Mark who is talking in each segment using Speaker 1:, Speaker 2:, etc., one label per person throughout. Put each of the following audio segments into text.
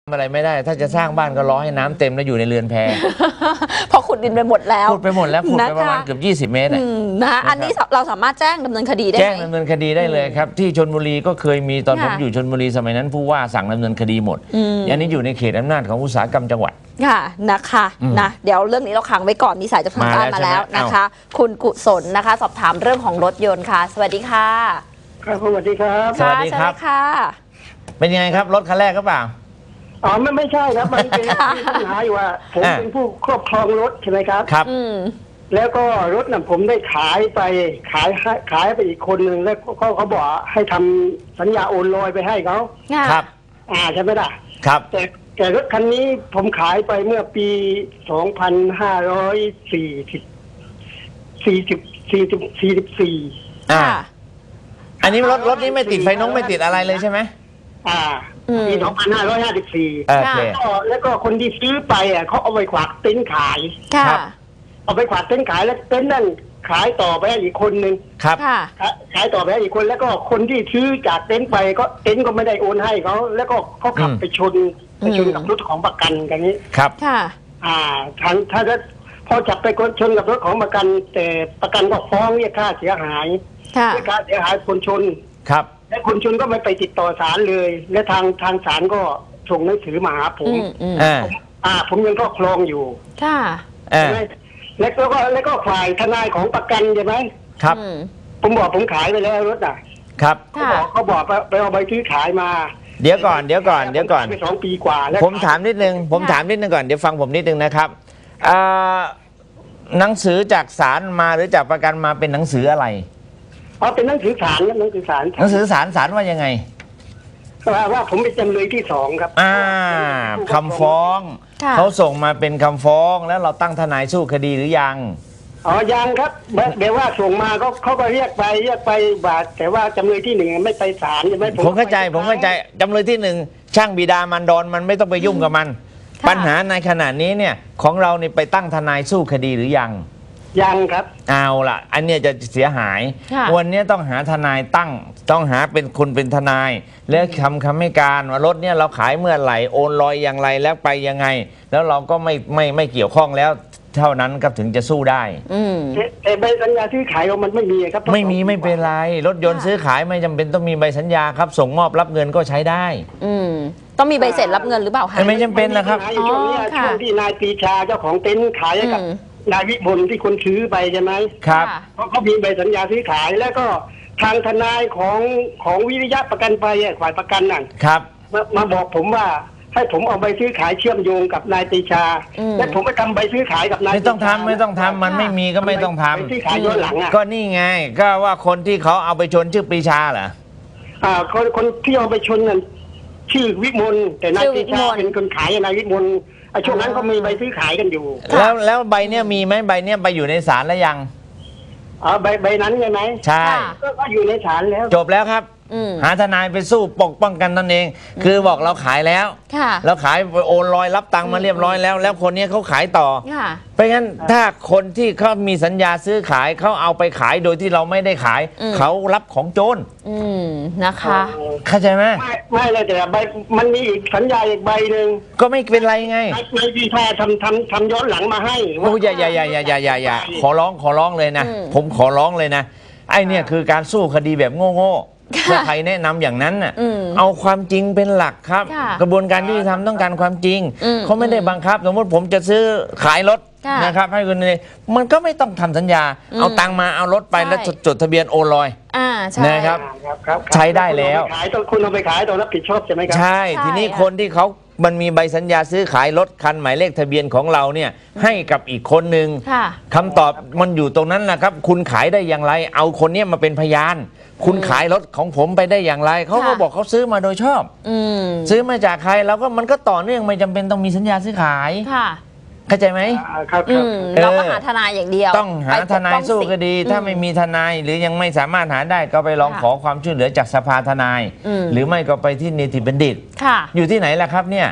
Speaker 1: อะไรไม่ได้ถ้าจะสร้างบ้านก็รอให้น้ำเต็มแล้วอยู่ในเรือนแพ
Speaker 2: พอขุดดินไปหมดแล้ว
Speaker 1: ขุดไปหมดแล้วขุดไปประมาณเกือบ20 เมตร
Speaker 2: นะอันนี้เราสามารถแจ้งดำเนินคดีได้ไหม
Speaker 1: แจ้งดำเนินคดีได้เลยครับที่ชลบุรีก็เคยมีตอนผมอยู่ชลบุรีสมัยนั้นผู้ว่าสั่งดำเนินคดีหมดอันนี้อยู่ในเขตอำนาจของอุตสาหกรรมจังหวัด
Speaker 2: ค่ะนะคะนะเดี๋ยวเรื่องนี้เราขังไว้ก่อนมีสายจากทางบ้านมาแล้วนะคะคุณกุศลนะคะสอบถามเรื่องของรถยนต์ค่ะสวัสดีค่ะ
Speaker 3: ครับสวัสดีครับ
Speaker 1: สวัสดีครับ
Speaker 2: ค่ะ
Speaker 1: เป็นยังไงครับรถคันแรกก็เปล่า
Speaker 3: อ๋อไม่ใช่ครับมันเป็นปัญหาอยู่ว่าผมเป็นผู้ครอบครองรถใช่ไหมครับ
Speaker 1: ครับ
Speaker 3: แล้วก็รถน่ะผมได้ขายไปไปอีกคนหนึ่งแล้วเขาบอกให้ทำสัญญาโอนลอยไปให้เขา
Speaker 1: ครับ
Speaker 3: ใช่ไหมล่ะ
Speaker 1: ครับ
Speaker 3: แต่รถคันนี้ผมขายไปเมื่อปี2544
Speaker 1: อันนี้รถนี้ไม่ติดไฟน้องไม่ติดอะไรเลยใช่ไหม
Speaker 3: ปี2554แล้วก็คนที่ซื้อไปเขาเอาไปขวากเต็นท์ขายเอาไปขวากเต็นท์ขายแล้วเต็นท์นั่นขายต่อไปให้อีกคนนึง
Speaker 1: ครับ
Speaker 3: ขายต่อไปให้อีกคนแล้วก็คนที่ซื้อจากเต็นท์ไปก็เต็นท์ก็ไม่ได้โอนให้เขาแล้วก็เขาขับไปชนกับรถของประกันกันนี้
Speaker 1: ครับ
Speaker 3: ถ้าพอจับไปชนกับรถของประกันแต่ประกันก็ฟ้องเรียกค่าเสียหายค่าเสียหายคนชน
Speaker 1: ครับ
Speaker 3: และคนชนก็ไม่ไปติดต่อศาลเลยและทางศาลก็ส่งหนังสือมาหาผมผมยังครอบครองอยู่
Speaker 2: ค่ะ
Speaker 3: แล้วก็ฝ่ายทนายของประกันใช่ไหม
Speaker 1: ครับ
Speaker 3: ผมบอกผมขายไปแล้วรถ
Speaker 1: ครับ
Speaker 3: เขาบอกไปเอาใบซื้อขายมา
Speaker 1: เดี๋ยวก่อน
Speaker 3: ไป2 ปีกว่าแล้ว
Speaker 1: ผมถามนิดนึงก่อนเดี๋ยวฟังผมนิดนึงนะครับหนังสือจากศาลมาหรือจากประกันมาเป็นหนังสืออะไร
Speaker 3: เป็นหนังสือศาลครับหนังสือศ
Speaker 1: าลว่ายังไง
Speaker 3: ว่าผมเป็นจำเลยที่2ครับ
Speaker 1: คำฟ้องเขาส่งมาเป็นคำฟ้องแล้วเราตั้งทนายสู้คดีหรือยัง
Speaker 3: ยังครับเดี๋ยวว่าส่งมาเขาก็เรียกไปบาทแต่ว่าจำเลยที่1ไม่ไปศาลใช่ไหม
Speaker 1: ผมเข้าใจจำเลยที่1ช่างบิดามารดรมันไม่ต้องไปยุ่งกับมันปัญหาในขณะนี้เนี่ยของเราเนี่ยไปตั้งทนายสู้คดีหรือยัง
Speaker 3: ครับ
Speaker 1: เอาล่ะอันเนี้ยจะเสียหายวันนี้ต้องหาทนายต้องหาเป็นคนเป็นทนายแล้วคำให้การว่ารถเนี่ยเราขายเมื่อไหร่โอนลอยอย่างไรแล้วไปยังไงแล้วเราก็ไม่เกี่ยวข้องแล้วเท่านั้นก็ถึงจะสู้ได้
Speaker 3: แต่ใบสัญญาซื้อขายมันไม่มีครับ
Speaker 1: ไม่เป็นไรรถยนต์ซื้อขายไม่จำเป็นต้องมีใบสัญญาครับส่งมอบรับเงินก็ใช้ได้
Speaker 2: ต้องมีใบเสร็จรับเงินหรือเปล่าคะ
Speaker 1: ไม่จำเป็นนะครับ
Speaker 3: ช่วงที่นายปรีชาเจ้าของเต็นท์ขายกับนายวิมลที่คนซื้อไปใช่ไหม
Speaker 1: ครับ
Speaker 3: เขามีใบสัญญาซื้อขายแล้วก็ทางทนายของวิริยะประกันภัยฝ่ายประกันนั่น
Speaker 1: ครับ
Speaker 3: มาบอกผมว่าให้ผมเอาใบซื้อขายเชื่อมโยงกับนายปรีชาและผมไปทำใบซื้อขายกับนาย
Speaker 1: ไม่ต้องทำมันไม่มีก็ไม่ต้องทำ
Speaker 3: ซื้อขายย้อนหลัง
Speaker 1: ก็นี่ไงก็ว่าคนที่เขาเอาไปชนชื่อปรีชาเหรอ
Speaker 3: คนที่เอาไปชนนั่นชื่อวิมลแต่นายปรีชาเป็นคนขายนายวิมลช่วงนั้นเขามีใบซื้อขายกันอยู่
Speaker 1: แล้วใบเนี้ยมีไหมใบเนี้ยไปอยู่ในศาลแล้วยัง
Speaker 3: ใบนั้นใช่ไหม
Speaker 1: ใช่
Speaker 3: ก็อยู่ในศาลแล้ว
Speaker 1: จบแล้วครับหาทนายไปสู้ปกป้องกันตนเองคือบอกเราขายแล้วเราขายโอนลอยรับตังค์มาเรียบร้อยแล้วคนนี้เขาขายต่อเพราะงั้นถ้าคนที่เขามีสัญญาซื้อขายเขาเอาไปขายโดยที่เราไม่ได้ขายเขารับของโจร
Speaker 2: นะคะ
Speaker 1: เข้าใจไหม
Speaker 3: ไม่เลยแต่ใบมันมีอีกสัญญาอีกใบหนึ่ง
Speaker 1: ก็ไม่เป็นไรไง
Speaker 3: นายปรีชาทำย้อนหลังมาให้
Speaker 1: โอ้อย่าขอร้องเลยนะผมขอร้องเลยนะไอ้เนี่ยคือการสู้คดีแบบโง่ถ้าใครแนะนำอย่างนั้นน่ะเอาความจริงเป็นหลักครับกระบวนการยุติธรรมต้องการความจริงเขาไม่ได้บังคับสมมติผมจะซื้อขายรถนะครับให้คุณเลยมันก็ไม่ต้องทำสัญญาเอาตังมาเอารถไปแล้วจดทะเบียนโอนลอยนะครับใช้ได้แล้ว
Speaker 3: คุณเอาไปขายต้องรับผิดชอบใช่ไหมครับ
Speaker 1: ใช่ทีนี้คนที่เขามันมีใบสัญญาซื้อขายรถคันหมายเลขทะเบียนของเราเนี่ยให้กับอีกคนหนึ่งคำตอบมันอยู่ตรงนั้นแหละครับคุณขายได้อย่างไรเอาคนนี้มาเป็นพยานคุณขายรถของผมไปได้อย่างไรเขาก็บอกเขาซื้อมาโดยชอบซื้อมาจากใครแล้วก็มันก็ต่อเนื่องไม่จำเป็นต้องมีสัญญาซื้อขายเข้าใจไหม
Speaker 3: ครับ
Speaker 2: เราก็หาทนายอย่างเดียว
Speaker 1: ต้องหาทนายสู้คดีถ้าไม่มีทนายหรือยังไม่สามารถหาได้ก็ไปลองขอความช่วยเหลือจากสภาทนายหรือไม่ก็ไปที่นิติบัณฑิตอยู่ที่ไหนล่ะครับเนี่ย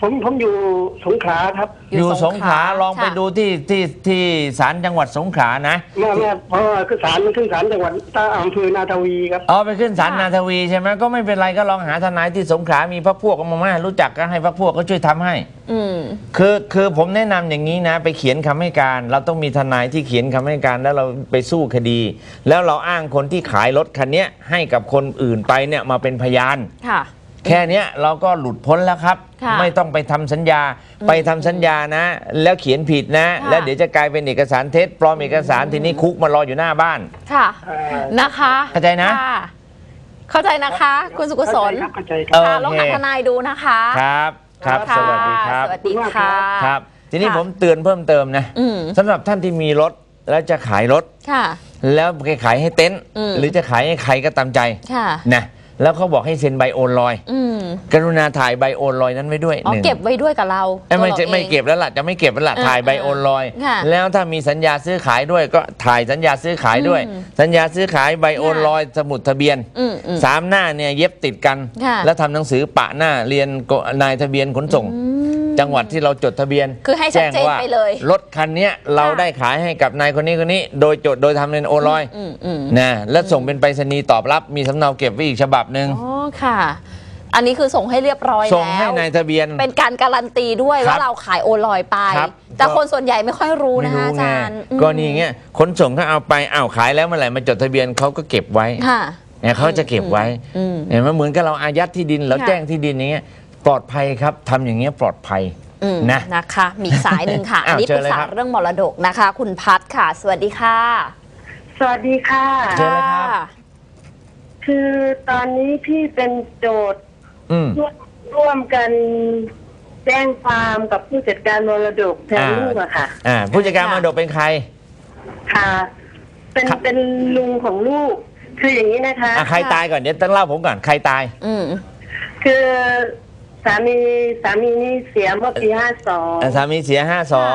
Speaker 3: ผมอยู่สงขลาครับ
Speaker 1: อยู่สงขลาลองไปดูที่ศาลจังหวัดสงขลานะ
Speaker 3: ไม่เพราะว่าคือศาลมันขึ้นศาลจังหวัดอำเภอนาทวีครับ
Speaker 1: ไปขึ้นศาลนาทวีใช่ไหมก็ไม่เป็นไรก็ลองหาทนายที่สงขลามีพรรคพวกมารู้จักก็ให้พรรคพวกก็ช่วยทำให้คือผมแนะนำอย่างนี้นะไปเขียนคำให้การเราต้องมีทนายที่เขียนคำให้การแล้วเราไปสู้คดี แล้วเราอ้างคนที่ขายรถคันนี้ให้กับคนอื่นไปเนี่ยมาเป็นพยานแค่นี้เราก็หลุดพ้นแล้วครับไม่ต้องไปทำสัญญาไปทำสัญญานะแล้วเขียนผิดนะแล้วเดี๋ยวจะกลายเป็นเอกสารเท็จปลอมเอกสารทีนี้คุกมารออยู่หน้าบ้าน
Speaker 2: ค่ะนะคะ
Speaker 1: เข้าใจนะ
Speaker 2: เข้าใจนะคะคุณสุกุศลลองหาทนายดูนะคะ
Speaker 1: ครับสวัสดีครับ
Speaker 2: สวัสดีค่ะ
Speaker 1: ครับทีนี้ผมเตือนเพิ่มเติมนะสำหรับท่านที่มีรถแล้วจะขายรถแล้วไปขายให้เต็นท์หรือจะขายให้ใครก็ตามใจนะแล้วเขาบอกให้เซ็นใบโอนลอยกรุณาถ่ายใบโอนลอยนั้นไว้ด้วยหนึ่ง
Speaker 2: เก็บไว้ด้วยกับเรา
Speaker 1: ไม่เก็บแล้วล่ะจะไม่เก็บแล้วล่ะถ่ายใบโอนลอยแล้วถ้ามีสัญญาซื้อขายด้วยก็ถ่ายสัญญาซื้อขายด้วยสัญญาซื้อขายใบโอนลอยสมุดทะเบียน3 หน้าเนี่ยเย็บติดกันแล้วทำหนังสือปะหน้าเรียนนายทะเบียนขนส่งจังหวัดที่เราจดทะเบียน
Speaker 2: คือให้ชัดเจนไปเลย
Speaker 1: รถคันนี้เราได้ขายให้กับนายคนนี้โดยจดโดยทำเป็นโอนลอยนะแล้วส่งเป็นไปรษณีย์ตอบรับมีสำเนาเก็บไว้อีกฉบับหนึ่ง
Speaker 2: ค่ะอันนี้คือส่งให้เรียบร้อยแล้ว
Speaker 1: ส่งให้นายทะเบียน
Speaker 2: เป็นการการันตีด้วยว่าเราขายโอนลอยไปแต่คนส่วนใหญ่ไม่ค่อยรู้นะคะอาจารย์
Speaker 1: ก็นี่เงี้ยขนส่งถ้าเอาไปขายแล้วเมื่อไหร่มาจดทะเบียนเขาก็เก็บไว้เนี่ยเขาจะเก็บไว้เห็นไหมเหมือนกับเราอายัดที่ดินแล้วแจ้งที่ดินอย่างเงี้ยปลอดภัยครับทำอย่างเงี้ยปลอดภัย
Speaker 2: นะคะมีสายหนึ่งค่ะอันนี้ปรึกษาเรื่องมรดกนะคะคุณพัฒค่ะสวัสดีค่ะ
Speaker 4: สวัสดีค่ะ
Speaker 1: เชิญเลยครับ
Speaker 4: คือตอนนี้พี่เป็นโจทย์ร่วมกันแจ้งความกับผู้จัดการมรดกแทนลูกอะค่ะ
Speaker 1: ผู้จัดการมรดกเป็นใคร
Speaker 4: ค่ะเป็นลุงของลูกคืออย่างนี้นะคะ
Speaker 1: ใครตายก่อนเดี๋ยวต้องเล่าผมก่อนใครตาย
Speaker 4: คือสามีนี่เสียเมื่อปี52
Speaker 1: สามีเสีย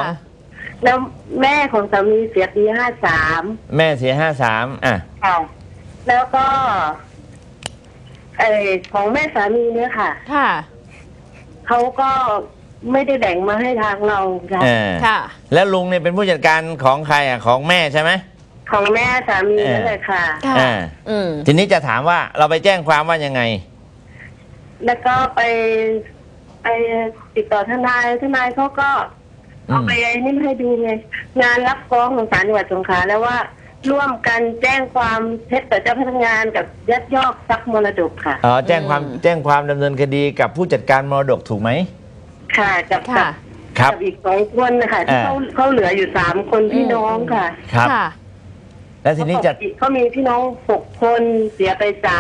Speaker 1: 52
Speaker 4: แล้วแม่ของสามีเสียปี53
Speaker 1: แม่เสีย53
Speaker 4: ค่ะแล้วก็ของแม่สามีเนี่ยค่ะเขาก็ไม่ได้แบ่งมาให้ทางเรา
Speaker 1: ค่ะแล้วลุงเนี่ยเป็นผู้จัดการของใครของแม่ใช่ไหม
Speaker 4: ของแม่สามีนั่นแหละค่ะ
Speaker 1: ทีนี้จะถามว่าเราไปแจ้งความว่ายังไง
Speaker 4: แล้วก็ไปติดต่อทนายเขาก็เอาไปนี่ให้ดูไงงานรับฟ้องของศาลจังหวัดสงขลาแล้วว่าร่วมกันแจ้งความเท็จต่อเจ้าพนักงานกับยักยอกทรัพย์มรดกค่ะ
Speaker 1: แจ้งความดำเนินคดีกับผู้จัดการมรดกถูกไหม
Speaker 4: ค่ะกับอีก2 คนนะคะที่เขาเหลืออยู่3 คนพี่น้องค่ะ
Speaker 1: ครับแล้วทีนี้
Speaker 4: เขามีพี่น้อง6 คนเสียไป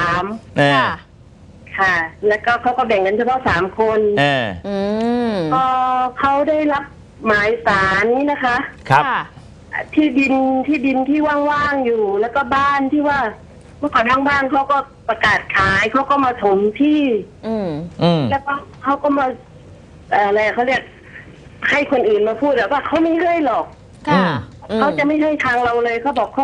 Speaker 4: 3ค่ะแล้วก็เขาก็แบ่งกันเฉพาะ3 คนพอเขาได้รับหมายศาลนี้นะคะ
Speaker 1: ครับ
Speaker 4: ที่ดินที่ว่างๆอยู่แล้วก็บ้านที่ว่าเมื่อก่อนทางบ้านเขาก็ประกาศขายเขาก็มาถมที่แล้วก็เขาก็มาอะไรเขาเรียกให้คนอื่นมาพูดแต่ว่าเขาไม่ให้หรอกเขาจะไม่ให้ทางเราเลยเขาบอกเขา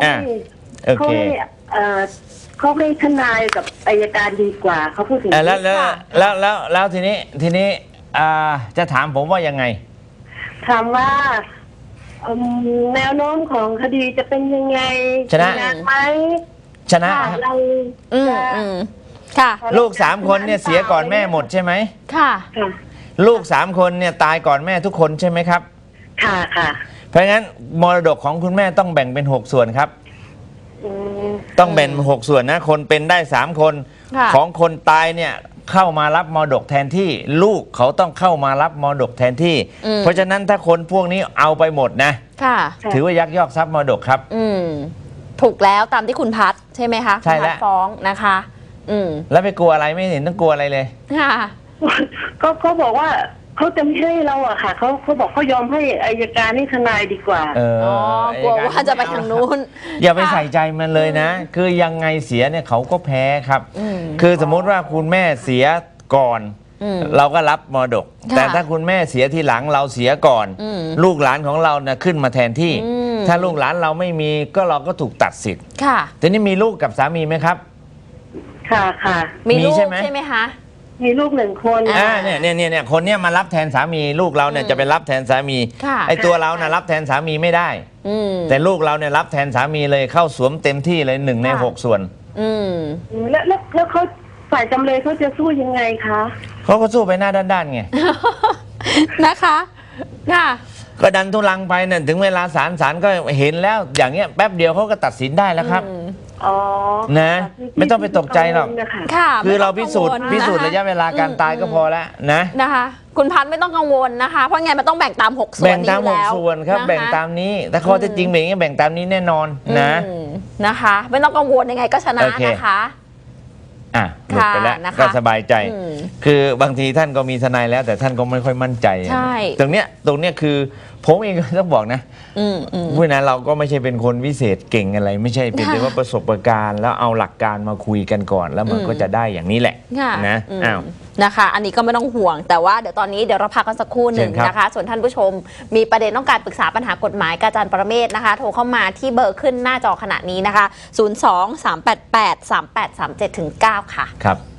Speaker 4: ให้ทนายกับอัยการดีกว่าเขาพูดถึง
Speaker 1: แล้วทีนี้จะถามผมว่ายังไง
Speaker 4: ถามว่าแนวโน้มของคดีจะเป็นยังไง
Speaker 1: ชนะ
Speaker 4: ไหม
Speaker 1: ชนะ
Speaker 4: เรา
Speaker 2: ค่ะ
Speaker 1: ลูก3 คนเนี่ยเสียก่อนแม่หมดใช่ไหม
Speaker 2: ค่ะ
Speaker 1: ลูก3 คนเนี่ยตายก่อนแม่ทุกคนใช่ไหมครับ
Speaker 4: ค่ะ
Speaker 1: เพราะงั้นมรดกของคุณแม่ต้องแบ่งเป็น6 ส่วนครับต้องแบ่ง6 ส่วนนะคนเป็นได้3 คนของคนตายเนี่ยเข้ามารับมรดกแทนที่ลูกเขาต้องเข้ามารับมรดกแทนที่เพราะฉะนั้นถ้าคนพวกนี้เอาไปหมดนะถือว่ายักยอกทรัพย์มรดกครับ
Speaker 2: ถูกแล้วตามที่คุณพัฒใช่ไหมคะ
Speaker 1: ใช่แล้ว
Speaker 2: ฟ้องนะคะ
Speaker 1: แล้วไปกลัวอะไรไม่เห็นต้องกลัวอะไรเลย
Speaker 2: ค่ะ
Speaker 4: ก็เขาบอกว่าเขาจะไม่ให้เราอะค่ะเขาบอกเขายอมให้อัยการนี่ทนายดีกว่
Speaker 2: ากลัวว่าจะไปทางนู้น
Speaker 1: อย่าไปใส่ใจมันเลยนะคือยังไงเสียเนี่ยเขาก็แพ้ครับคือสมมติว่าคุณแม่เสียก่อนเราก็รับมรดกแต่ถ้าคุณแม่เสียทีหลังเราเสียก่อนลูกหลานของเราเนี่ยขึ้นมาแทนที่ถ้าลูกหลานเราไม่มีก็เราก็ถูกตัดสิทธิ์
Speaker 2: ค่ะ
Speaker 1: ทีนี้มีลูกกับสามีไหมครับ
Speaker 4: ค่ะ
Speaker 2: มีลูกใช่ไหมคะ
Speaker 4: มีลูก1 คน
Speaker 1: เนี่ยคนเนี้ยมารับแทนสามีลูกเราเนี่ยจะไปรับแทนสามีไอ้ตัวเรานะรับแทนสามีไม่ได้แต่ลูกเราเนี่ยรับแทนสามีเลยเข้าสวมเต็มที่เลย1 ใน 6 ส่วน
Speaker 4: แล้วเขาฝ่ายจำเลยเขาจะสู้ยังไงคะ
Speaker 1: เขาก็สู้ไปหน้าด้านๆไง
Speaker 2: นะคะค่ะ
Speaker 1: ก็ดันทุลังไปเนี่ยถึงเวลาศาลก็เห็นแล้วอย่างเงี้ยแป๊บเดียวเขาก็ตัดสินได้แล้วครับนะไม่ต้องไปตกใจหรอกคือเราพิสูจน์ระยะเวลาการตายก็พอแล้ว
Speaker 2: นะคะคุณพันธ์ไม่ต้องกังวลนะคะเพราะไงมันต้องแบ่งตาม6 ส่วน
Speaker 1: แบ่งตาม6 ส่วนครับแบ่งตามนี้แต่ข้อเท็จจริงเป็นอย่างนี้แบ่งตามนี้แน่นอน
Speaker 2: นะคะไม่ต้องกังวลยังไงก็ชนะนะคะ
Speaker 1: หลุดไปแล้วก็สบายใจคือบางทีท่านก็มีทนายแล้วแต่ท่านก็ไม่ค่อยมั่นใจตรงเนี้ยคือผมเองก็ต้องบอกนะเพราะนั้นเราก็ไม่ใช่เป็นคนวิเศษเก่งอะไรไม่ใช่เป็นแต่ว่าประสบการณ์แล้วเอาหลักการมาคุยกันก่อนแล้วมันก็จะได้อย่างนี้แหละนะ
Speaker 2: นะคะอันนี้ก็ไม่ต้องห่วงแต่ว่าเดี๋ยวตอนนี้เดี๋ยวเราพักกันสักครู่หนึ่งนะคะส่วนท่านผู้ชมมีประเด็นต้องการปรึกษาปัญหากฎหมายกับอาจารย์ปรเมศนะคะโทรเข้ามาที่เบอร์ขึ้นหน้าจอขณะนี้นะคะ 02-388-3837-9 ค่ะ
Speaker 1: ครับ